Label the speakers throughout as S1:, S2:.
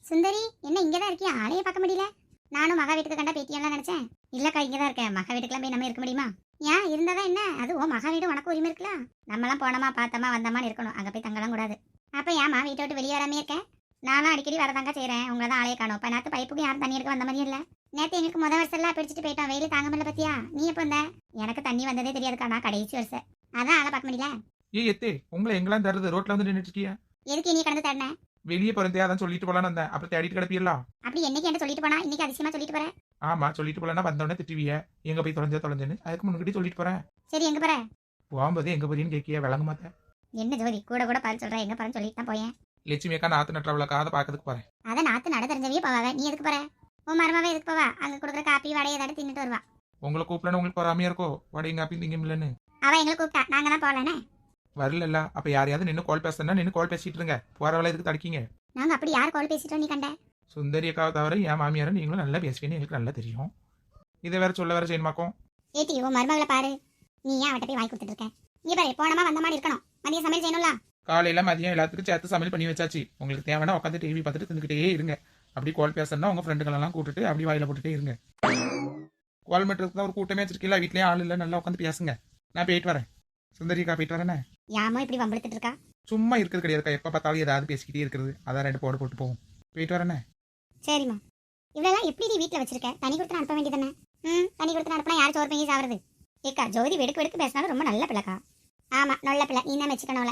S1: சுந்தரி, என்ன இங்கதான் இருக்கியா? ஆளையே பார்க்க முடியல. நானும் மகா வீட்டுக்கு கண்டா பேத்தியெல்லாம் நினைச்சேன். இல்லக்கா, இங்கதான் இருக்கேன். மகா வீட்டுக்குலாம் போய் நம்ம இருக்க முடியுமா? ஏன் இருந்தாதான் என்ன? அது ஓ மகா வீடு, உனக்கு உரிமை இருக்கலாம். நம்மலாம் போனோமா பார்த்தோமா வந்தோமான்னு இருக்கணும். அங்க போய் தங்கலாம் கூடாது. அப்ப ஏமா வீட்டை விட்டு வெளியே வராமே இருக்கேன்? நானும் அடிக்கடி வரதாங்க செய்றேன். உங்களை தான் ஆளையே காணும். இப்ப நேத்து பைப்புக்கு யாரும் தண்ணி எடுக்க வந்த மாதிரி இல்ல. நேத்து எங்களுக்கு முத வருஷம் எல்லாம் பிடிச்சிட்டு போயிட்டோம். வெயில் தாங்க முடியல பத்தியா? நீ எப்ப வந்த? எனக்கு தண்ணி வந்ததே தெரியாதுக்கா. நான் கடைசி வருஷம் அதான் ஆளை பார்க்க முடியல.
S2: எத்தே உங்களை எங்கெல்லாம் தருது? ரோட்ல வந்து நின்றுட்டு இருக்கியா?
S1: எதுக்கு நீ கடந்து தரன?
S2: வெளியே பிறந்தே அதான் சொல்லிட்டு போலான்னு வந்தேன். அப்புறம் தேடிட்டு கிடப்பியலாம்.
S1: அப்படி என்னைக்கு என்ன சொல்லிட்டு போனா? இன்னைக்கு அதிசயமா சொல்லிட்டு போறேன்.
S2: ஆமா, சொல்லிட்டு போலன்னா வந்தோடனே திட்டுவிய. எங்க போய் தொலைஞ்சேன்னு அதுக்கு முன்னாடி சொல்லிட்டு போறேன்.
S1: சரி, எங்க போற?
S2: போகும்போது எங்க போறீன்னு கேட்கிய விளங்க மாட்டேன்.
S1: என்ன ஜோதி கூட கூட பால் சொல்ற? எங்க போறேன்னு சொல்லிட்டு தான் போயேன்.
S2: லட்சுமி அக்கா நாத்து நட்டுறவளுக்காக அதை பாக்கிறதுக்கு போறேன்.
S1: அத நாத்து நட தெரிஞ்சவே போவாவே. நீ எதுக்கு போற? உன் மருமாவே எதுக்கு போவா? அங்க கொடுக்குற காப்பி வடை ஏதாவது தின்னுட்டு வருவா.
S2: உங்களை கூப்பிடணும் உங்களுக்கு பொறாமையா இருக்கோ? வடையும் காப்பி திங்க இல்லன்னு
S1: அவ எங்களை கூப்பிட்டா, நாங்க தான் போகலனே.
S2: வரல. அப்ப யாரையாவது நின்று கால் பேசுனா நின்று கால் பேசிட்டு இருங்க. போறவளை எதுக்கு தடுக்கீங்க?
S1: நாங்க அப்படி யார் கால் பேசிட்டோம் நீ கண்ட?
S2: சுந்தரி அக்காவை தவிர என் மாமியாரும் நீங்களும் நல்லா பேசுவீன்னு எங்களுக்கு நல்லா தெரியும். இதை வேற சொல்ல வேற செய்யணுமாக்கும்.
S1: ஏத்தி உன் மருமகளை பாரு. நீ ஏன் அவட்ட போய் வாங்கி கொடுத்துட்டு இருக்க? இங்க பாரு, போனமா வந்த மாதிரி இருக்கணும். மதியம் சமையல் செய்யணும்ல.
S2: காலையில மதியம் எல்லாத்துக்கும் சேர்த்து சமையல் பண்ணி வச்சாச்சு. உங்களுக்கு தேவைன்னா உட்காந்து டிவி பார்த்துட்டு தின்னுக்கிட்டே இருங்க. அப்படி கால் பேசணும்னா உங்க ஃப்ரெண்டுகளெல்லாம் கூப்பிட்டு அப்படி வாயில போட்டுட்டே இருங்க. கால் மீட்டருக்கு தான் ஒரு கூட்டமே வச்சிருக்கீங்களா? வீட்லயே ஆள் இல்லை, நல்லா உட்காந்து பேசுங்க. நான் போயிட்டு வரேன். சுந்தரிக்கா போயிட்டு வரேனே.
S1: யாமோ இப்படி வம்பளுத்துட்டு இருக்கா?
S2: சும்மா இருக்கிறது கிடையாதுக்கா. எப்ப பார்த்தாலும் ஏதாவது பேசிக்கிட்டே இருக்கிறது. அதான் 2 போடு போட்டு போவோம். போயிட்டு வரேனே.
S1: சரிம்மா. இவ்வளவு எப்படி நீ வீட்டுல வச்சிருக்க? தனி கொடுத்து அனுப்ப வேண்டியதானே? தனி கொடுத்து அனுப்பினா யார் சோறு பொங்கி சாவறது? ஏக்கா, ஜோதி வெடுக்கு வெடுக்கு பேசினாலும் ரொம்ப நல்ல பிள்ளைக்கா. ஆமா, நல்ல பிள்ளை. நீ தான் வச்சுக்கணும்ல.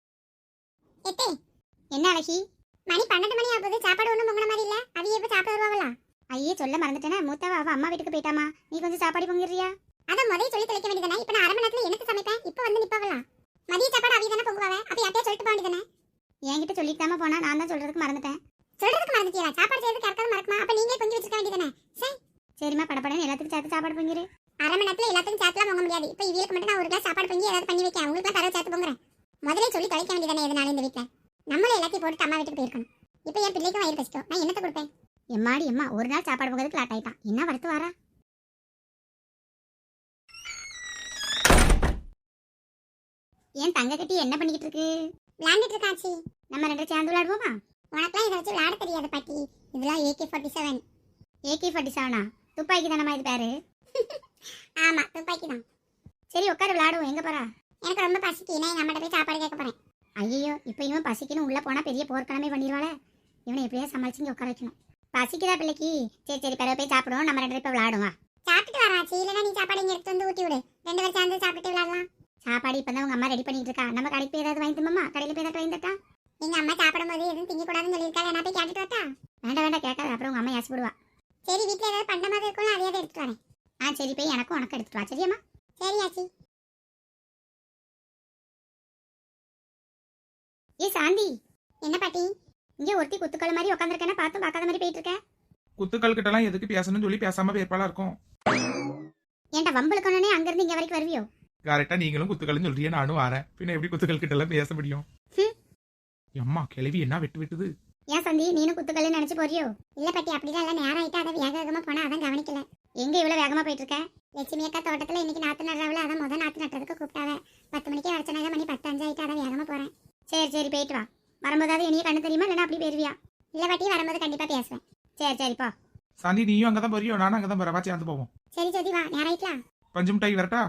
S1: என்ன அழகி? மணி 12 மணி ஆகுது. சாப்பாடு ஒண்ணும் பொங்கின மாதிரி இல்ல. அது எப்ப சாப்பிட வருவாங்களா? ஐயே, சொல்ல மறந்துட்டேனே. மூத்தவ அவ அம்மா வீட்டுக்கு போயிட்டாமா. நீ கொஞ்சம் சாப்பாடு பொங்கிடுறியா? அத முதல்ல சொல்லி தொலைக்க வேண்டியதானே. இப்ப நான் 1/2 மணி நேரத்துல எனக்கு சமைப்பேன். இப்ப வந்து நிப்பாவலா? மதிய சாப்பாடு அவிய தானே பொங்குவாவே. அப்ப யார்ட்டே சொல்லிட்டு போக வேண்டியதானே. என்கிட்ட சொல்லிட்டாம போனா நான் தான் சொல்றதுக்கு மறந்துட்டேன். சொல்றதுக்கு மறந்துட்டியா? சாப்பாடு செய்யறதுக்கு யாருக்காவது மறக்குமா? அப்ப நீங்க பொங்கி வச்சிருக்க வேண்டியதானே. சரி சரிம்மா, படப்படன்னு எல்லாத்துக்கும் சேர்த்து சாப்பாடு பொங்கிரு. 1/2 மணி நேரத்துல எல்லாத்துக்கும் சேர்த்துலாம் பொங்க முடியாது. இப்ப இவங்களுக்கு மட்டும் நான் ஒரு கிளாஸ் சாப்பாடு பொங்கி ஏதாவது பண்ணி வைக்க. உங்களுக்கு தரவு சேர்த்து பொங்குறேன். முதல்ல சொல்லி தொலைக்க வேண்டியதானே. எதனால இந்த வீட்டுல நம்மளே எல்லாத்தையும் போட்டு அம்மா வீட்டுக்கு போயிருக்கணும். இப்ப என் பிள்ளைக்கும் வயிறு கஷ்டம். நான் என்னத்தை கொடுப்பேன்? எம்மாடி எம்மா, ஒரு நாள் சாப்பாடு பொங்கிறதுக்கு லேட் ஆயிட்டான். என்ன வரத்து வாரா? ஏன் தங்க கட்டி என்ன பண்ணிக்கிட்டு இருக்கு? விளையாண்டுட்டு இருக்காச்சி. நம்ம 2 சேர்ந்து விளையாடுவோமா? உனக்குலாம் இதை வச்சு விளையாட தெரியாது பாட்டி. இதெல்லாம் AK-47. AK-47 துப்பாக்கி தானம்மா இது பேரு? ஆமா, துப்பாக்கி தான். சரி, உட்காரு விளையாடுவோம். எங்க போறா? எனக்கு ரொம்ப பசிக்கு. நான் எங்க அம்மாட்ட போய் சாப்பாடு கேட்க போறேன். ஐயோ, இப்போ இவன் பசிக்குன்னு உள்ள போனா பெரிய போர்க்களமே பண்ணிடுவாளே. இவனை எப்படியா சமாளிச்சு இங்க உட்கார வைக்கணும். பசிக்குதா பிள்ளைக்கு? சரி சரி, பிறகு போய் சாப்பிடுவோம். நம்ம 2 பேரும் இப்போ விளையாடுவோம். சாப்பிட்டுட்டு வராச்சு. இல்லைன்னா நீ சாப்பாடு இங்க எடுத்து வந்து ஊட்டி விடு. 2 பேரும் சேர்ந்து சாப்பிட்டு விளையாடலாம். சாப்பாடு இப்பதான் உங்க அம்மா ரெடி பண்ணிட்டு இருக்கா. நம்ம கடைக்கு போய் ஏதாவது வாங்கி தம்மா. கடையில போய் ஏதாவது வாங்கி தட்டா? எங்க அம்மா சாப்பிடும்போது எதுவும் திங்க கூடாதுன்னு சொல்லியிருக்காங்க. நான் போய் கேட்டுட்டு வரட்டா? வேண்டாம் வேண்டாம், கேட்காத. அப்புறம் உங்க அம்மா ஏசி போடுவா. சரி, வீட்டுல ஏதாவது பண்ட மாதிரி இருக்கும். அதையாவது எடுத்துட்டு வரேன். சரி, போய் எனக்கும் உனக்கு எடுத்துட்டு வா. சரியாம்மா? சரி ஆச்சி. ஏ சாந்தி. என்ன பாட்டி? இங்க ஒருத்தி குத்துக்கள் மாதிரி உட்காந்துருக்கேன்னா பார்த்தும் பார்க்காத மாதிரி போயிட்டு இருக்கேன்.
S2: குத்துக்கள் கிட்ட எல்லாம் எதுக்கு பேசணும்னு சொல்லி பேசாம பேர்பாலா இருக்கும்.
S1: ஏன்டா வம்பளுக்கணுனே அங்க இருந்து இங்க வரைக்கும் வருவியோ?
S2: கரெக்டா நீங்களும் குத்துக்கள்னு சொல்றியே, நானும் வரேன். பின்ன எப்படி குத்துக்கள் கிட்ட எல்லாம் பேச முடியும்? அம்மா கிளவி என்ன வெட்டு வெட்டுது.
S1: ஏன் சந்தி, நீனும் குத்துக்கல்னு நினைச்சு போறியோ? இல்ல பாட்டி, அப்படிதான் இல்ல. நேரம் ஆயிட்டா அதை வேக வேகமா போனா அதான் கவனிக்கல. எங்க இவ்வளவு வேகமா போயிட்டு இருக்க? லட்சுமி அக்கா தோட்டத்துல இன்னைக்கு நாத்து நடுறாவில, அதான் முதல் நாத்து நட்டுறதுக்கு கூப்பிட்டாவ. 10 மணிக்கே வர சொன்னாங்க. மணி 10:05 ஆயிட்டு. அதான் வேகமா போறேன். சரி சரி, போயிட்டு வா. வரும்போதாவது இனியே கண்ணு தெரியுமா? இல்லைன்னா அப்படி போயிருவியா? இல்ல பாட்டி, வரும்போது கண்டிப்பா பேசுவேன். சரி சரி, போ.
S2: சாந்தி, நீயும் அங்கதான் போறியோ? நானும் அங்கதான் போறேன். சேர்ந்து போவோம்.
S1: சரி சரி, வா. நேரம் ஆயிட்டா?
S2: பஞ்சு மிட்டாய் வரட்டா?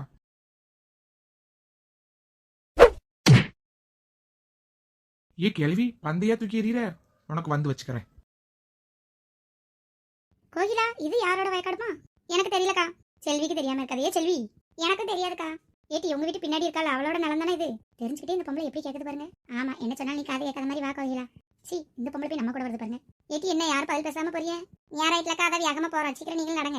S2: ஏ கிளவி, பந்தையா தூக்கி எறிகிற. உனக்கு வந்து வச்சுக்கிறேன்.
S1: கோகிலா, இது யாரோட வயக்காடுமா? எனக்கு தெரியலக்கா. செல்விக்கு தெரியாம இருக்காது. ஏ செல்வி, எனக்கு தெரியாதுக்கா. ஏட்டி, உங்க வீட்டு பின்னாடி இருக்காள், அவளோட நலம் தானே இது? தெரிஞ்சுக்கிட்டே இந்த பொம்பளை எப்படி கேட்குது பாருங்க. ஆமா, என்ன சொன்னாலும் நீ காது கேட்காத மாதிரி வா கோகிலா. சி, இந்த பொம்பளை போய் நம்ம கூட வருது பாருங்க. ஏட்டி, என்ன யார் பதில் பேசாம போறிய? யாராயிட்டலக்கா, அதை வேகமா போறோம். சீக்கிரம் நீங்களும் நடங்க.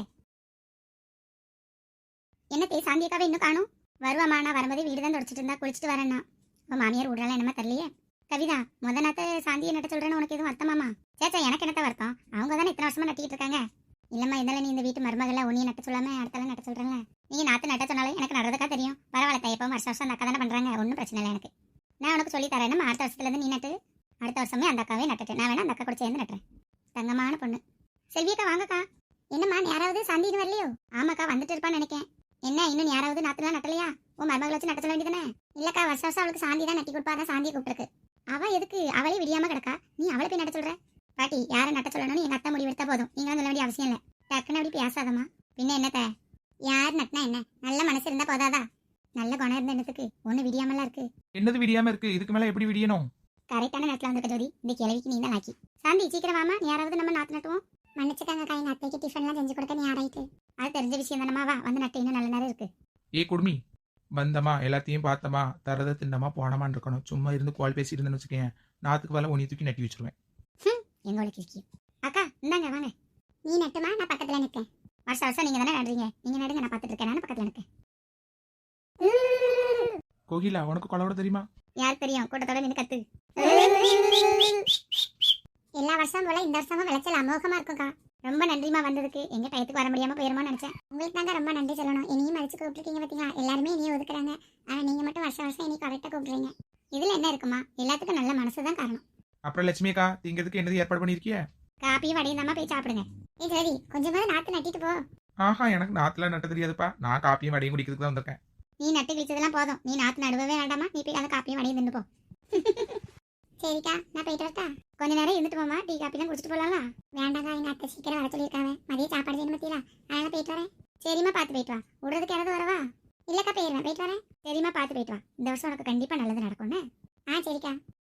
S1: என்ன சாந்தியக்காவே இன்னும் காணும்? வருவாமா, நான் வரும்போது வீடு தான் தொடச்சிட்டு இருந்தா. குளிச்சுட்டு வரேன்னா உன் மாமியார் விடுறாலும் என்னமா தெரியலையே. கவிதா, முத நாத்த சாந்தியை நட்ட சொல்றேன்னு உனக்கு எதுவும் வருத்தமாமா? சேச்சா, எனக்கு என்னத்த வருத்தம்? அவங்க தானே இத்தனை வருஷமா நட்டிக்கிட்டு இருக்காங்க. இல்லம்மா, இருந்தாலும் நீ இந்த வீட்டு மருமகள உன்னையும் நட்ட சொல்லாம அடுத்தாலும் நட்ட சொல்றேன்ல. நீங்க நாத்து நட்ட சொன்னாலும் எனக்கு நடுறதுக்கா தெரியும். பரவாயில்ல, எப்போ வருஷம் வருஷம் அந்த அக்கா தானே பண்றாங்க. ஒன்றும் பிரச்சனை இல்லை எனக்கு. நான் உனக்கு சொல்லி தரேன். நம்ம அடுத்த வருஷத்துல இருந்து நீ நட்டு. அடுத்த வருஷமே அந்த அக்காவே நட்டுட்டு நான் வேணா அந்த அக்கா கூட சேர்ந்து நட்டுறேன். தங்கமான பொண்ணு. செல்வியக்கா, வாங்கக்கா. என்னம்மா, யாராவது சாந்தின்னு வரலையோ? ஆமாக்கா, வந்துட்டு இருப்பான்னு நினைக்கேன். என்ன, இன்னும் யாராவது நாத்துலாம் நட்டலையா? உன் மருமகளை வச்சு நட்ட சொல்ல வேண்டியதானே? இல்லக்கா, வருஷம் வருஷம் அவளுக்கு சாந்தி தான் நட்டி கொடுப்பா. தான் சாந்தியை கூப்பிட்டுருக்கு. அவ எதுக்கு? அவளே விடியாம கிடக்கா. நீ அவளை போய் நட்ட சொல்ற? பாட்டி யாரை நட்ட சொல்லணும்னு எங்க அத்தை முடிவு எடுத்தா போதும், நீங்களும் சொல்ல வேண்டிய அவசியம் இல்லை. டக்குன்னு அப்படி பேசாதம்மா. பின்ன என்னத்த, யார் நட்டினா என்ன, நல்ல மனசு இருந்தா போதாதா? நல்ல குணம் இருந்த இடத்துக்கு ஒண்ணு விடியாமலாம் இருக்கு.
S2: என்னது விடியாம இருக்கு? இதுக்கு மேல எப்படி விடியணும்?
S1: கரெக்டான நேரத்துல வந்திருக்க ஜோதி, இந்த கிழவிக்கு நீ தான் லாக்கி. சாந்தி சீக்கிரம் வாமா, யாராவது நம்ம நாத்து நட்டுவோம். மன்னிச்சுக்காங்கக்கா, எங்க அத்தைக்கு டிஃபன்லாம் செஞ்சு கொடுக்க நீ ஆராயிட்டு. அது தெரிஞ்ச விஷயம் தானம்மா, வா வந்து நட்டு, இன்னும் நல்ல நேரம் இருக்கு.
S2: ஏ குடுமி, வந்தமா எல்லாத்தையும் பார்த்தமா தரத தின்னமா போனமான்னு இருக்கணும். சும்மா இருந்து கால் பேசி இருந்தேன்னு வச்சுக்கேன், நாத்துக்கு வேலை உனி தூக்கி நட்டி வச்சிருவேன்.
S1: எங்களோட கிழக்கி. அக்கா இந்தாங்க வாங்க. நீ நட்டுமா, நான் பக்கத்துல நிற்கேன். வருஷம் வருஷம் நீங்க தானே நடுறீங்க, நீங்க நடுங்க, நான் பார்த்துட்டு இருக்கேன். நான் பக்கத்துல நிற்கேன்.
S2: கோகிலா, உனக்கு கொலவோட தெரியுமா?
S1: யார் தெரியும், கூட்டத்தோட நின்று கத்து. எல்லா வருஷம் போல இந்த வருஷமும் விளைச்சல் அமோகமா இருக்கும்க்கா. ரொம்ப நன்றிமா வந்ததுக்கு. எங்க டயத்துக்கு வர முடியாம போயிருமா நினைச்சேன். உங்களுக்கு தாங்க ரொம்ப நன்றி சொல்லணும். இனியும் மதிச்சு கூப்பிட்டுருக்கீங்க பார்த்தீங்களா. எல்லாருமே இனியும் ஒதுக்குறாங்க, ஆனா நீங்க மட்டும் வருஷம் வருஷம் இனி கரெக்டா கூப்பிடுறீங்க. இதுல என்ன இருக்குமா, எல்லாத்துக்கும் நல்ல மனசுதான் காரணம்.
S2: அப்புறம் லட்சுமி அக்கா, திங்கிறதுக்கு என்னது ஏற்பாடு பண்ணிருக்கிய?
S1: காப்பியும் வடையும் தாமா போய் சாப்பிடுங்க. ஏ சரி, கொஞ்சமாவது நாத்து நட்டிட்டு போ.
S2: ஆஹா, எனக்கு நாத்துல நட்ட தெரியாதுப்பா. நான் காப்பியும் வடையும் குடிக்கிறதுக்கு தான் வந்திருக்கேன்.
S1: நீ நட்டு கிழிச்சதெல்லாம் போதும், நீ நாத்து நடுவே வேண்டாமா. நீ போய் அந்த காப்பியும் வடையும் தின்னு போ. சரிக்கா, நான் போயிட்டு வரட்டா? கொஞ்ச நேரம் இருந்துட்டு போமா, டீ காப்பி தான் குடிச்சிட்டு போலாம்ல. வேண்டாக்கா, எங்க அத்தை சீக்கிரம் வர சொல்லியிருக்காங்க. மதியம் சாப்பாடு செய்யணும் பத்தியா, அதனால போயிட்டு வரேன். சரிம்மா, பார்த்து போயிட்டு வா. விடுறதுக்கு யாராவது வரவா? இல்லக்கா, போயிடுவேன், போயிட்டு வரேன். சரிம்மா, பார்த்து போயிட்டு வா. இந்த வருஷம் உனக்கு கண்டிப்பா நல்லது நடக்கும்னு. சரிக்கா.